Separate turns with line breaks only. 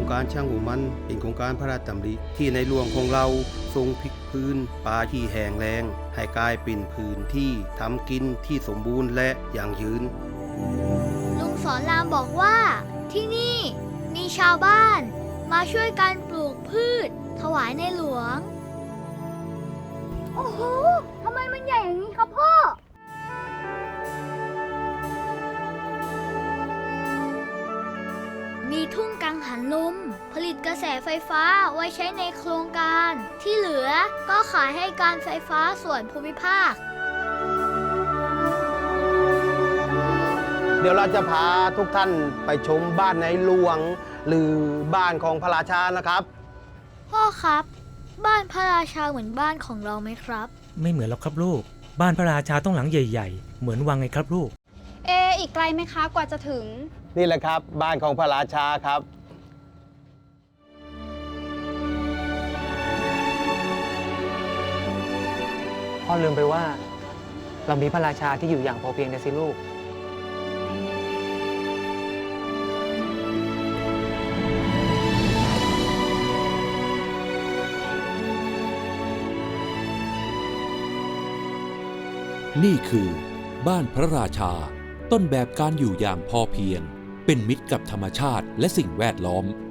การช่างหัวมันเป็นโครงการพระราชดำริที่ในหลวงของเราทรงพลิกพื้นป่าที่แห้งแล้งให้กลายเป็นพื้นที่ทำกินที่สมบูรณ์และยั่งยืน
ลุงสอนรามบอกว่าที่นี่มีชาวบ้านมาช่วยกันปลูกพืชถวายในหลวงโอ้โหทำไมมันใหญ่อย่างนี้ครับพ่อมีทุ่งกังหันลมผลิตกระแสไฟฟ้าไว้ใช้ในโครงการที่เหลือก็ขายให้การไฟฟ้าส่วนภูมิภาค
เดี๋ยวเราจะพาทุกท่านไปชมบ้านในหลวงหรือบ้านของพระราชานะครับ
พ่อครับบ้านพระราชาเหมือนบ้านของเราไหมครับ
ไม่เหมือนหรอกครับลูกบ้านพระราชาต้องหลังใหญ่ๆเหมือนวังไงครับลูก
อีกไกลไหมคะกว่าจะถึง
นี่แหละครับบ้านของพระราชาครับ
พ่อลืมไปว่าเรามีพระราชาที่อยู่อย่างพอเพียงนะสิลูก
นี่คือบ้านพระราชาต้นแบบการอยู่อย่างพอเพียงเป็นมิตรกับธรรมชาติและสิ่งแวดล้อม